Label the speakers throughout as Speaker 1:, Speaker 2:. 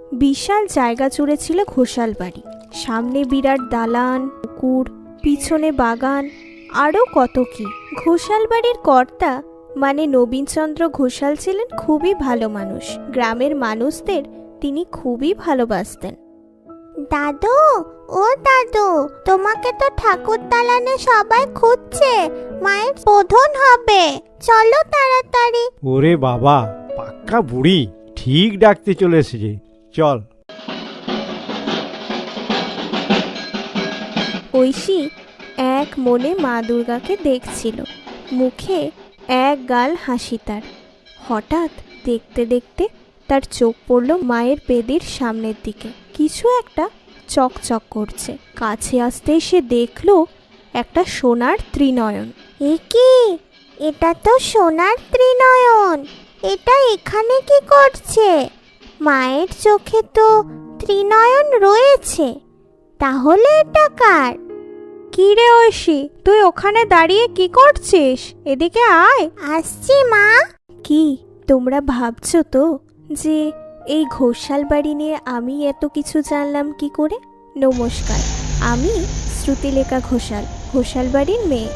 Speaker 1: বিশাল জায়গা জুড়ে ছিল ঘোষাল বাড়ি। সামনে বিরাট দালান, পুকুর, পিছনে বাগান, আরও কত কি। ঘোষাল বাড়ির কর্তা মানে নবীনচন্দ্র ঘোষাল ছিলেন খুবই ভালো মানুষ। গ্রামের মানুষদের তিনি খুবই ভালোবাসতেন।
Speaker 2: দাদু, ও দাদু, তোমাকে তো ঠাকুর দালানে সবাই খুঁজছে, মায়ের বোধন হবে, চলো তাড়াতাড়ি।
Speaker 3: ওরে বাবা, পাক্কা বুড়ি, ঠিক ডাকতে চলে এসেছে, চল।
Speaker 1: ঐশী এক মনে মা দুর্গাকে দেখছিল, মুখে এক গাল হাসি তার। হঠাৎ দেখতে দেখতে তার চোখ পড়ল মায়ের বেদির সামনের দিকে। কিছু একটা চকচক করছে। কাছে আসতেই সে দেখল একটা সোনার ত্রিনয়ন।
Speaker 2: এ কি? এটা তো সোনার ত্রিনয়ন। এটা এখানে কি করছে? মায়ের চোখে তো ত্রিনয়ন রয়েছে, তাহলে এটা কার?
Speaker 1: কি রে ঐশী, তুই ওখানে দাঁড়িয়ে কি করছিস? এদিকে আয়।
Speaker 2: আসছি মা।
Speaker 1: কি তোমরা ভাবছো তো যে এই ঘোষাল বাড়ি নিয়ে আমি এত কিছু জানলাম কি করে? নমস্কার, আমি শ্রুতিলেখা ঘোষাল, ঘোষাল বাড়ির মেয়ে।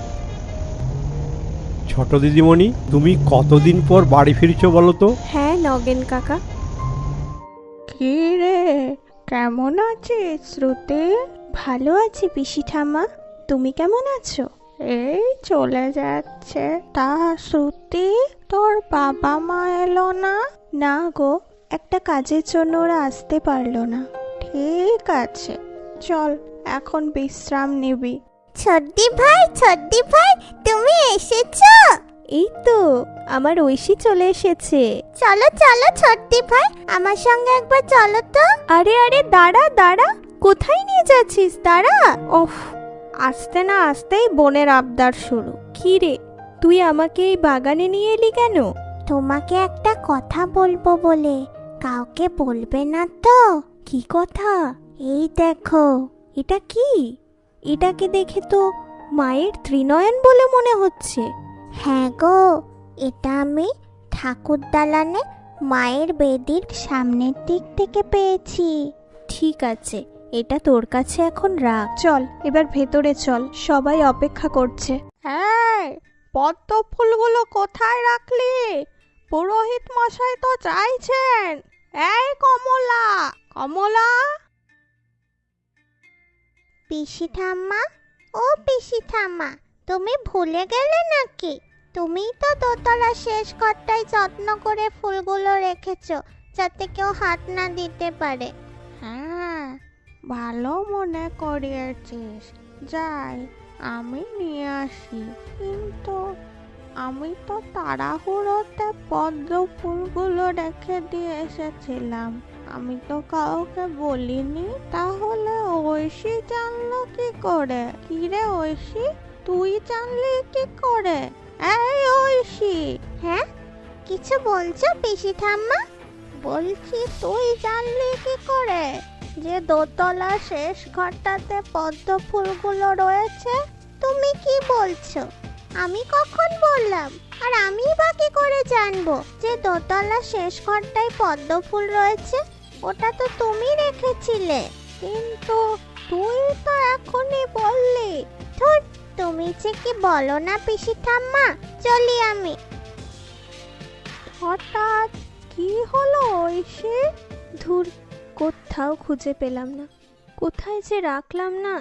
Speaker 3: ছোট দিদিমণি, তুমি কতদিন পর বাড়ি ফিরছো বলো তো?
Speaker 1: হ্যাঁ নগেন কাকা।
Speaker 4: কি রে, কেমন আছিস শ্রুতি?
Speaker 1: ভালো আছি পিসি ঠাম্মা, তুমি কেমন আছো?
Speaker 4: এই চলে যাচ্ছে। তা শ্রুতি, তোর বাবা মা এলো না?
Speaker 1: না গো, একটা কাজের জন্য ওরা আসতে পারলো না।
Speaker 4: ঠিক আছে, চল এখন বিশ্রাম নিবি।
Speaker 2: ছোট্টি ভাই, তুমি এসেছো?
Speaker 1: এই তো আমার ঐশী চলে এসেছে।
Speaker 2: চলো চলো ছোট্টি ভাই, আমার সঙ্গে একবার চলো তো।
Speaker 1: আরে আরে দাঁড়া দাঁড়া, কোথায় নিয়ে যাচ্ছিস? দাঁড়া। ওফ, আসতে না আসতেই বোনের আবদার শুরু। কি রে, তুই আমাকে এই বাগানে নিয়ে এলি কেন?
Speaker 2: তোমাকে একটা কথা বলবো বলে। কাউকে বলবে না তো?
Speaker 1: কি কথা?
Speaker 2: এই দেখো।
Speaker 1: এটা কি? এটাকে দেখে তো মায়ের ত্রিনয়ন বলে মনে হচ্ছে।
Speaker 2: হ্যাঁ গো, এটা আমি ঠাকুর দালানে মায়ের বেদির সামনের দিক থেকে পেয়েছি।
Speaker 1: ঠিক আছে, এটা তোর কাছে এখন রাখ। চল এবার ভেতরে চল, সবাই অপেক্ষা করছে।
Speaker 4: এই, পদ্ম ফুলগুলো কোথায় রাখলি? পুরোহিত মশাই তো চাইছেন। এই কমলা, কমলা।
Speaker 2: পিসি ঠাম্মা, ও পিসি ঠাম্মা, তুমি ভুলে গেলে নাকি? তুমিই তো দোতলা শেষ ঘরটায় যত্ন করে ফুলগুলো রেখেছো, যাতে কেউ হাত না দিতে পারে।
Speaker 4: হ্যাঁ, ভালো মনে করিয়েছিস। যাই, আমি নিয়ে আসি। কিন্তু আমি তো তাড়াহুড়োতে পদ্ম ফুলগুলো রেখে দিয়ে এসেছিলাম। আমি তো কাউকে বলিনি। তাহলে ঐশী জানলো কি করে? কি রে ঐশী, তুই জানলি কি করে? এই ঐশী।
Speaker 2: হ্যাঁ, কিছু বলছো পিসি ঠাম্মা?
Speaker 4: বলছি তুই জানলি কি করে যে দোতলা শেষ ঘরটাতে পদ্ম ফুলগুলো রয়েছে?
Speaker 2: তুমি কি বলছো? আমি কখন বললাম? আর আমি বা কি করে জানবো যে দোতলা শেষ ঘরটায় পদ্ম ফুল রয়েছে? ওটা তো তুমি রেখেছিলে।
Speaker 4: কিন্তু তুই তো এখনই বললি।
Speaker 2: ধুর, তুমি যে কি বলো না পিসি ঠাম্মা। চলি আমি।
Speaker 4: হঠাৎ কি হলো ঐশী?
Speaker 1: ধুর, কোথাও খুঁজে পেলাম না, কোথায় যে রাখলাম না।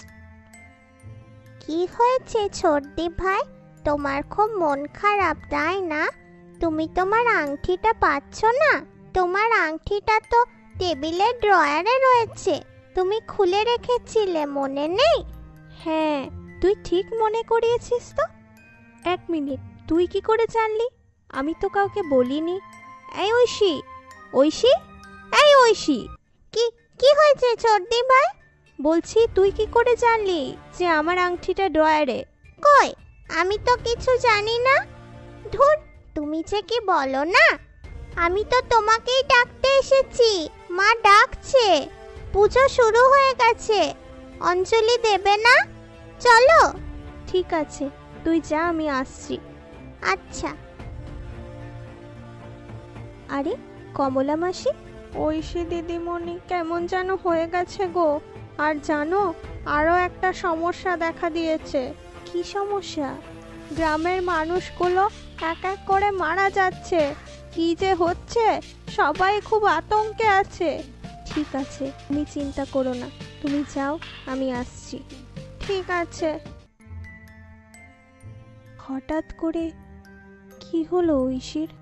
Speaker 2: কি হয়েছে ছোটদি ভাই? তোমার খুব মন খারাপ তাই না? তুমি তোমার আংটিটা পাচ্ছ না? তোমার আংটিটা তো টেবিলের ড্রয়ারে রয়েছে, তুমি খুলে রেখেছিলে, মনে নেই?
Speaker 1: হ্যাঁ, তুই ঠিক মনে করিয়েছিস তো। এক মিনিট, তুই কি করে জানলি? আমি তো কাউকে বলিনি। এই ঐশী, ঐশী, এই ঐশী।
Speaker 2: কি কি হয়েছে ছোটদি ভাই?
Speaker 1: বলছি তুই কি করে জানলি যে আমার আংটিটা ড্রয়ারে?
Speaker 2: কই, আমি তো কিছু জানি না। ধুর, তুমি যে কি বলো না। আমি তো তোমাকেই ডাকতে এসেছি। মা ডাকছে, পুজো শুরু হয়ে গেছে। অঞ্জলি দেবে না? চলো।
Speaker 1: ঠিক আছে, তুই যা, আমি আসছি।
Speaker 2: আচ্ছা।
Speaker 1: আরে কমলা মাসি, ঐশী দিদিমণি কেমন যেন হয়ে গেছে গো। আর জানো, আরও একটা সমস্যা দেখা দিয়েছে। কি সমস্যা? গ্রামের মানুষগুলো এক এক করে মারা যাচ্ছে। কি যে হচ্ছে, সবাই খুব আতঙ্কে আছে। ঠিক আছে, তুমি চিন্তা করো না, তুমি যাও, আমি আসছি। ঠিক আছে। হঠাৎ করে কি হলো ঐশীর?